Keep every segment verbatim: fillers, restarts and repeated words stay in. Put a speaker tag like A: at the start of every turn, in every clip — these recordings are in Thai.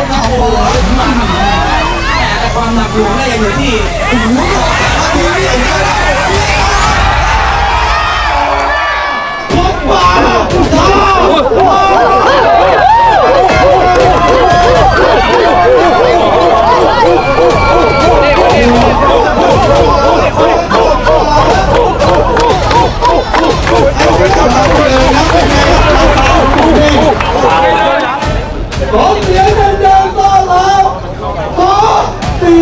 A: กเข่าขวา
B: แต่ความหนักหน่วงได้ยังอยู่ที่
A: พบมาท้ขอเสียงดังๆต้อนรับขอตี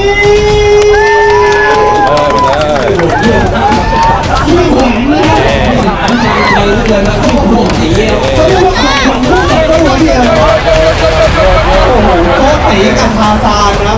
A: ที่หวังนะ
B: ใจเหลือเกินครับที่พวกสี
A: เขาเรียกว่าขับขวัญคู่กับตัวเดียวโอ้โหโคตรตีกับทาซานครับ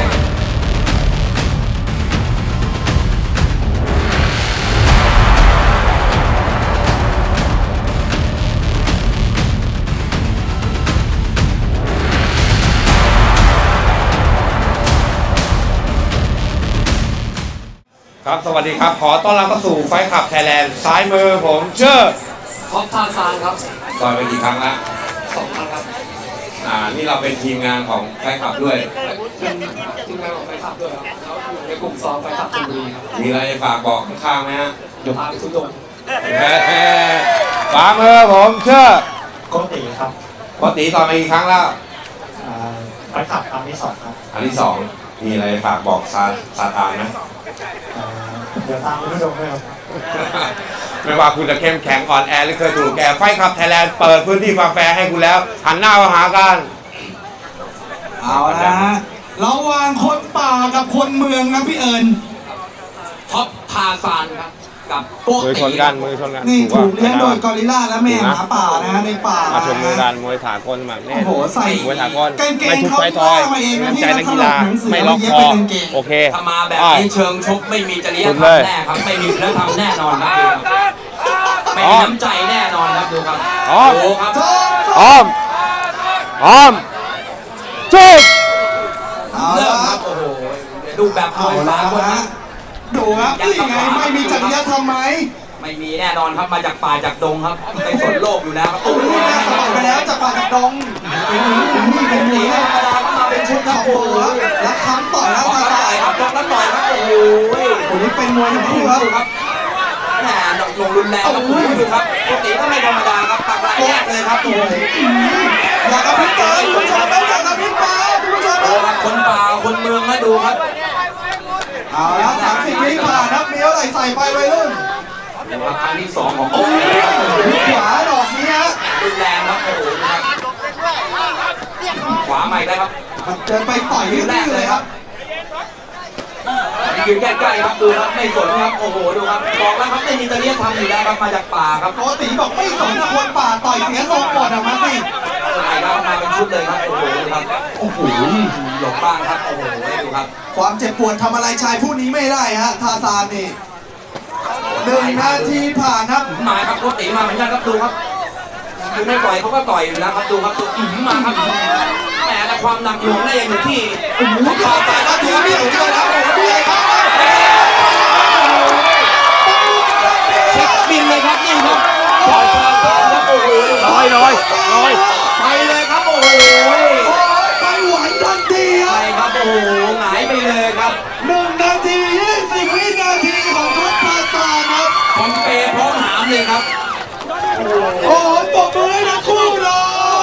C: ครับสวัสดีครับขอต้อนรับเข้าสู่ไฟขับไทยแลนด์ซ้ายมือผมชื่อ
B: ท็อปทาซานครับ
C: ต่อยไปกี่ครั้งแล้ว
B: สองครั้งครับ
C: อ่านี่เราเป็นทีมงานของไฟขับด้วย
B: เป็นทีมงานของไฟขับด้วยครับเขาอยู่ในกลุ่มซ้อมไฟขับชลบุรีครับ
C: มีอะไรฝากบอกข้างๆไหมฮะ
B: เดี๋ยวพาไปทุดง
C: ขวามือผมชื่อ
A: โคตรตีครับ
C: ปกติต่อยไปกี่ครั้งแล้ว
A: ไฟขับครั้งที่สองครับ
C: อันที่สองมีอะไรฝากบอกซาซาตานไหม
A: เดี๋ยวตามไปทุดงด้วยครับ
C: ไม่ว่าคุณจะเข้มแข็งอ่อนแอหรือเคยถูกแกไฟขับไทยแลนด์เปิดพื้นที่ความแฟร์ให้คุณแล้วหันหน้ามาหากัน
A: เอาละฮะระหว่างคนป่ากับคนเมืองนะพี่เอิญ
B: ท็อปทาซานครับกับ
C: มือชนกันมือชนกัน
A: นี่ถูกเลี้ยงโดยกอริลล่าและแม่หมาป่านะฮะในป่า
C: มาชนมือกันมวยถากลมาเนี่ย
A: โอ้โหใส่
C: มวยถากล
A: ไม่ทุบไฟทอย
C: น้ำใจนักกีฬาไม่ล็อกคอโอเค
B: ถ้ามาแบบนี้เชิงชกไม่มีจริยธรรมแน่ครับไม่มีศีลธรรมแน่นอนครับไม่มีน้ำใจแน่นอนครับดูครับ
C: อ้อม
B: ครับ
C: อ้อมอ้อมจุด
B: เริ่มครับโอ้โหดูแบบมวยสากลนะ
A: ดูครับนี่ไงไม่มีจริยธรรมไหม
B: ไม่มีแน่นอนครับมาจากป่าจากดงครับในสนโลกอยู่แล้วครับโอ้โห
A: น่าสบายไปแล้วจากป่าจากดงนี่เป็นหนีธรรมดาก็มาเป็นชุดครับโอ้โหแล้วค้ำต่อยแล้วตาตาย
B: ครับแล้วต่อยครับโอ้โห
A: คนนี้เป็นมวยทั้งคู่ครับ
B: แหมลงรุนแรงครับดูครับปกติก็ไม่ธรรมดาครับตักรายแยกเลยครับโอ้โห
A: อยากกระพริบตาคุณผู้ชมอยากกระพริบตาคุณผู้ชม
B: คนป่าคนเมืองมาดูครับ
A: เอาละสามสิบวิผ่านนับเมียวไหลใส่ไปวัยรุ่น
B: ครั้งที่สองของโอ้
A: ยขวาดอกนี้ฮะ
B: รุนแรงครับโอ้โหครับขวาใหม่ได้ครับ
A: เดินไปต่อยที่แรกเลยครับ
B: ยืนใกล้ๆครับดูครับไม่สนครับโอ้โหดูครับบอกแล้วครับไม่มีจริยธรรมอยู่แล้วครับมาจากป่าครับ
A: โกติบอกไม่สนคนป่าต่อยเสียทรงก่อนออกมาสิ
B: ใช่ครับมาเป็นชุดเลยครับโอ้โหครับ
A: โอ้โห
B: หลบบ้างครับโอ้โหดูครับ
A: ความเจ็บปวดทำอะไรชายผู้นี้ไม่ได้ฮะทาซานนี่หนึ่งนาทีผ่านครับ
B: มาครับโกติมาเหมือนกันครับดูครับดูไม่ปล่อยเขาก็ต่อยอยู่แล้วครับดูครับดูมาครับแต่ความหนักหน่วงได้ยังอยู่ที่
A: โอ้โหต่อยแต่ละทีนี่เจอแล้วโอ้โหนี่ครับ
B: เช็คบินเลยครับนี่ครับต่อยแล้วโอ้โห
C: น้อยน้อยน้อย
B: ไปเลยครับโอ้โห
A: ไปหวานทันที
B: ไปครับโอ้โหหงายไปเลยครับ
A: หนึ่งนาทียี่สิบวินาทีของท็อปทาซานครับ
B: คอมเปย์พร้อมหามเลยครับ
A: โอ้โหปรบมือให้ทั้งคู่เลย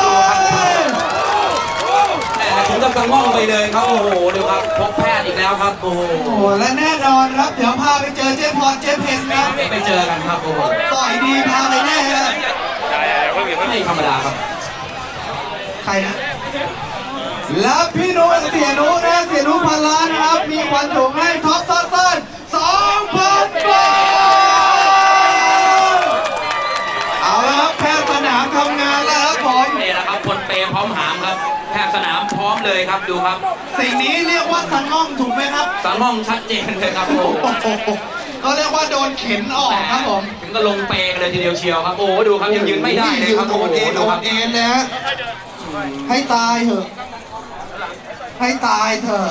B: ถึงกับสะง่องไปเลยครับโอ้โหดูครับพบแพทย์อีกแล้วครับโอ้โห
A: และแน่นอนครับเดี๋ยวพาไปเจอเจ๊พรเจ๊เพนนะ
B: ไปเจอกันครับโอ้โห
A: ต่อยดีพาไปแน่เลย
B: ไม่ธรรมดาครับ
A: ใครนะแล้วพี่นุ้เสียนุ้นะเสียนุ้พันล้านครับมีควันถุงให้ท็อปทัสซันสองพันบาทเอาละครับแพทย์สนามทำงานแล้วครับผม
B: นี่แหละครับคนเปย์พร้อมหามครับแพทย์สนามพร้อมเลยครับดูครับ
A: สิ่งนี้เรียกว่าสังง่องถูกไหมครับ
B: สังง่องชัดเจนเลยครับโอ้
A: ก็เรียกว่าโดนเข็นออกครับผม
B: ถึงก็ลงเปย์เลยทีเดียวเชียวครับโอ้ดูครับยังยืนไม่ได้เลยครับ
A: โดนเอ็นโดนเอ็นนะให้ตายเถอะให้ตายเถอะ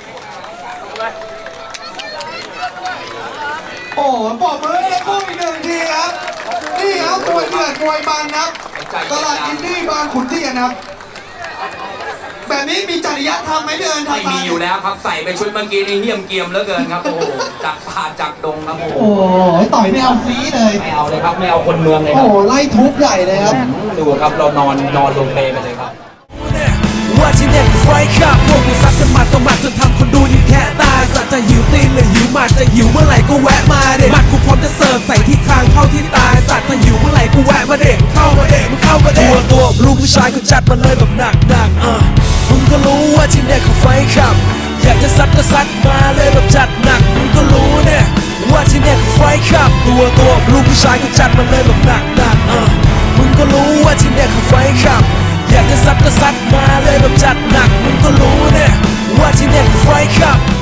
A: โอ้ปอบมือให้คู่อีกหนึ่งทีครับนี่ครับมวยเดือดมวยมันครับตลาดอินดี้บางขุนเทียนครับแบบนี้มีจริยธรรมไหมพี่เอิญทา
B: ไม่
A: ซาน
B: มีอยู่แล้วครับใส่ไปชุดเมื่อกี้นี่เหี้ยมเกียมเหลือเกินครับโอ้โหจากป่าจากดงครับโอ้โห
A: โอ้ยต่อยไม่เอาฟรีเลย
B: ไม่เอาเลยครับไม่เอาคนเมืองเลยค
A: โอ้
B: รับ
A: ไล่ทุบใหญ่เลยครับ
B: ดูครับเรานอนนอนลงเปรย์ไปเลยครับ
D: ว่าที่เนี่ยคือไฟขับพวกกูซัดกันหมัดต่อหมัดจนทำคนดูยิ่งแค่ตายสัตว์จะหิวตีนหรือหิวหมัดจะหิวเมื่อไหร่ก็แวะมาเด็หมัดกูพร้อมจะเสิร์ฟใส่ที่คางเข้าที่ตายสัตว์จะหิวเมื่อไหร่กูแวะมาเด็เข้ามาเด็มึงเข้ามาเด็ตัวตัวลูกผู้ชายกูจัดมาเลยแบบหนักหนักๆอ่ะมึงก็รู้ว่าที่เนี่ยคือไฟขับ อยากจะซัดก็ซัดมาเลยแบบจัดหนักมึงก็รู้เนี่ยว่าที่เนี่ยคือไฟขับ ตัวตัวลูกผู้ชายกูจัดมาเลยแบบหนักหนักๆอ่ะมึงก็รู้ว่าที่เนี่ยคือไฟขับ อยากจะซัดก็ซัดมาเลยแบบจัดหนักมึงก็รู้เนี่ยว่าที่เนี่ยคือไฟขับ